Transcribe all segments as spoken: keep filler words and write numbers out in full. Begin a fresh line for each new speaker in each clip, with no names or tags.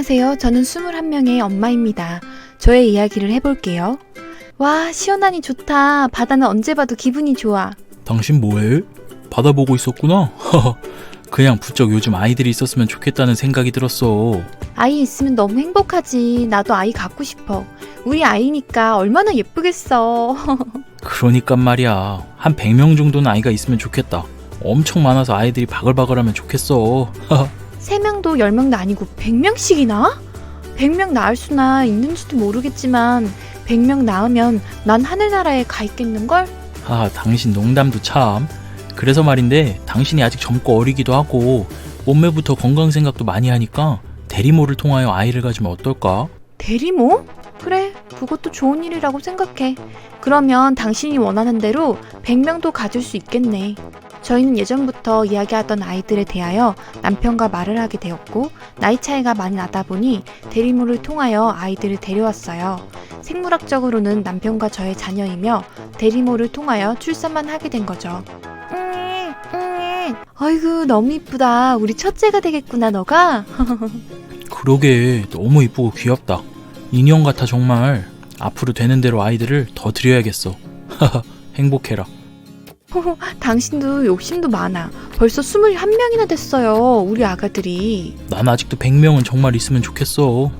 안녕하세요. 저는 스물한 명의 엄마입니다. 저의 이야기를 해볼게요. 와, 시원하니 좋다. 바다는 언제 봐도 기분이 좋아.
당신 뭐해? 바다 보고 있었구나? 그냥 부쩍 요즘 아이들이 있었으면 좋겠다는 생각이 들었어.
아이 있으면 너무 행복하지. 나도 아이 갖고 싶어. 우리 아이니까 얼마나 예쁘겠어.
그러니까 말이야. 한 백 명 정도는 아이가 있으면 좋겠다. 엄청 많아서 아이들이 바글바글하면 좋겠어.
세 명도 열 명도 아니고 백 명씩이나? 백 명 낳을 수나 있는지도 모르겠지만 백 명 낳으면 난 하늘나라에 가 있겠는걸?
아, 당신 농담도 참. 그래서 말인데 당신이 아직 젊고 어리기도 하고 몸매부터 건강 생각도 많이 하니까 대리모를 통하여 아이를 가지면 어떨까?
대리모? 그래, 그것도 좋은 일이라고 생각해. 그러면 당신이 원하는 대로 백 명도 가질 수 있겠네. 저희는 예전부터 이야기하던 아이들에 대하여 남편과 말을 하게 되었고 나이 차이가 많이 나다 보니 대리모를 통하여 아이들을 데려왔어요. 생물학적으로는 남편과 저의 자녀이며 대리모를 통하여 출산만 하게 된 거죠. 음, 음. 아이고 너무 이쁘다. 우리 첫째가 되겠구나 너가.
그러게 너무 이쁘고 귀엽다. 인형 같아 정말. 앞으로 되는 대로 아이들을 더 드려야겠어. 행복해라.
호호, 당신도 욕심도 많아. 벌써 스물한 명이나 됐어요. 우리 아가들이.
난 아직도 백 명은 정말 있으면 좋겠어.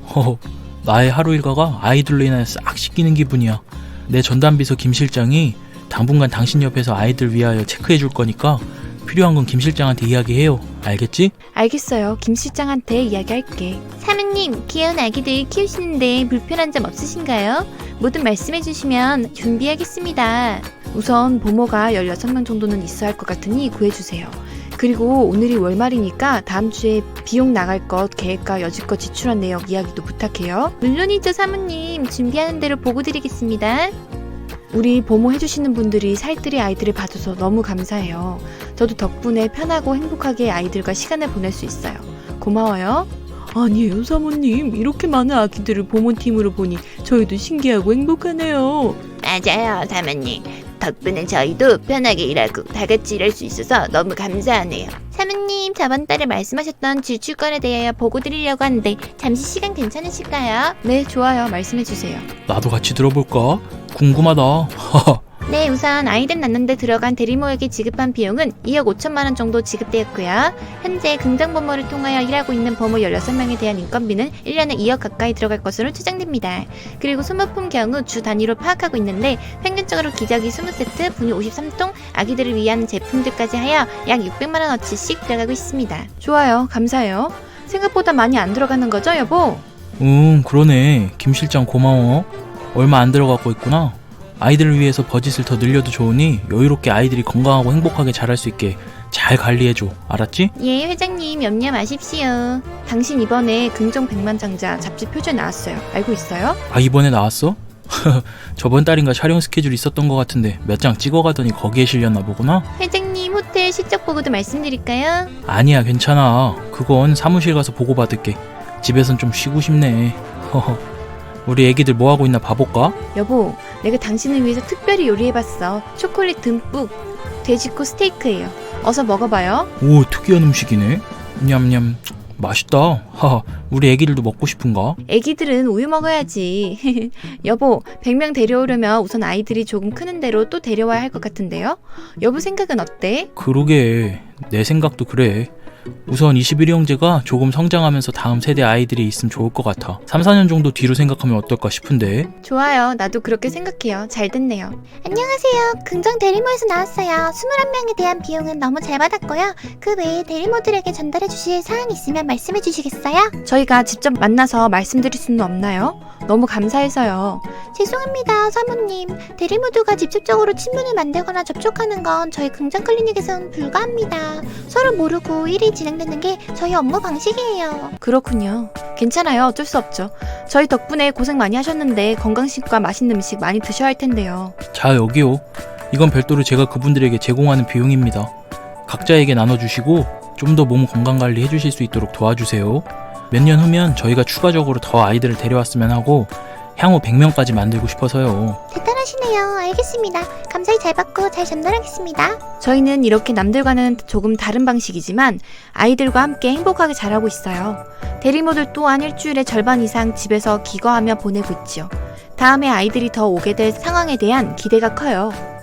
나의 하루 일과가 아이들로 인해 싹 씻기는 기분이야. 내 전담비서 김 실장이 당분간 당신 옆에서 아이들 위하여 체크해 줄 거니까 필요한 건 김 실장한테 이야기해요. 알겠지?
알겠어요. 김 실장한테 이야기할게. 사모님, 귀여운 아기들 키우시는데 불편한 점 없으신가요? 뭐든 말씀해 주시면 준비하겠습니다. 우선 보모가 열여섯 명 정도는 있어야 할 것 같으니 구해주세요. 그리고 오늘이 월말이니까 다음 주에 비용 나갈 것 계획과 여지껏 지출한 내역 이야기도 부탁해요. 물론이죠 사모님. 준비하는 대로 보고 드리겠습니다. 우리 보모 해주시는 분들이 살뜰히 아이들을 봐줘서 너무 감사해요. 저도 덕분에 편하고 행복하게 아이들과 시간을 보낼 수 있어요. 고마워요. 아니에요 사모님. 이렇게 많은 아기들을 보모팀으로 보니 저희도 신기하고 행복하네요.
맞아요, 사모님. 덕분에 저희도 편하게 일하고 다 같이 일할 수 있어서 너무 감사하네요. 사모님, 저번 달에 말씀하셨던 지출권에 대하여 보고 드리려고 하는데 잠시 시간 괜찮으실까요?
네, 좋아요. 말씀해주세요.
나도 같이 들어볼까? 궁금하다.
네, 우선 아이들 낳는데 들어간 대리모에게 지급한 비용은 이억 오천만 원 정도 지급되었고요. 현재 긍정보모를 통하여 일하고 있는 보모 열여섯 명에 대한 인건비는 일 년에 이억 가까이 들어갈 것으로 추정됩니다. 그리고 소모품 경우 주 단위로 파악하고 있는데 평균적으로 기저귀 이십 세트, 분유 오십삼 통, 아기들을 위한 제품들까지 하여 약 육백만 원어치씩 들어가고 있습니다.
좋아요. 감사해요. 생각보다 많이 안 들어가는 거죠, 여보?
응, 그러네. 김 실장 고마워. 얼마 안 들어가고 있구나. 아이들을 위해서 버짓을 더 늘려도 좋으니 여유롭게 아이들이 건강하고 행복하게 자랄 수 있게 잘 관리해줘. 알았지?
예, 회장님 염려 마십시오.
당신 이번에 긍정 백만장자 잡지 표절 나왔어요. 알고 있어요?
아, 이번에 나왔어? 저번 달인가 촬영 스케줄 있었던 것 같은데 몇 장 찍어가더니 거기에 실렸나 보구나?
회장님 호텔 실적 보고도 말씀드릴까요?
아니야, 괜찮아. 그건 사무실 가서 보고받을게. 집에선 좀 쉬고 싶네. 우리 애기들 뭐하고 있나 봐볼까?
여보, 내가 당신을 위해서 특별히 요리해봤어. 초콜릿 듬뿍 돼지코 스테이크예요. 어서 먹어봐요.
오, 특이한 음식이네. 냠냠. 맛있다. 하하, 우리 애기들도 먹고 싶은가?
애기들은 우유 먹어야지. 여보, 백 명 데려오려면 우선 아이들이 조금 크는 대로 또 데려와야 할 것 같은데요? 여보 생각은 어때?
그러게, 내 생각도 그래. 우선 이십일 형제가 조금 성장하면서 다음 세대 아이들이 있으면 좋을 것 같아. 삼, 사 년 정도 뒤로 생각하면 어떨까 싶은데.
좋아요. 나도 그렇게 생각해요. 잘 됐네요.
안녕하세요. 긍정 대리모에서 나왔어요. 스물한 명에 대한 비용은 너무 잘 받았고요. 그 외에 대리모들에게 전달해 주실 사항이 있으면 말씀해 주시겠어요?
저희가 직접 만나서 말씀드릴 수는 없나요? 너무 감사해서요.
죄송합니다, 사모님. 대리모두가 직접적으로 친분을 만들거나 접촉하는 건 저희 긍정 클리닉에서는 불가합니다. 서로 모르고 일이 진행되는 게 저희 업무 방식이에요.
그렇군요. 괜찮아요. 어쩔 수 없죠. 저희 덕분에 고생 많이 하셨는데 건강식과 맛있는 음식 많이 드셔야 할 텐데요.
자, 여기요. 이건 별도로 제가 그분들에게 제공하는 비용입니다. 각자에게 나눠주시고 좀 더 몸 건강관리 해주실 수 있도록 도와주세요. 몇 년 후면 저희가 추가적으로 더 아이들을 데려왔으면 하고 향후 백 명까지 만들고 싶어서요.
대단하시네요. 알겠습니다. 감사히 잘 받고 잘 전달하겠습니다.
저희는 이렇게 남들과는 조금 다른 방식이지만 아이들과 함께 행복하게 자라고 있어요. 대리모들 또한 일주일의 절반 이상 집에서 기거하며 보내고 있지요. 다음에 아이들이 더 오게 될 상황에 대한 기대가 커요.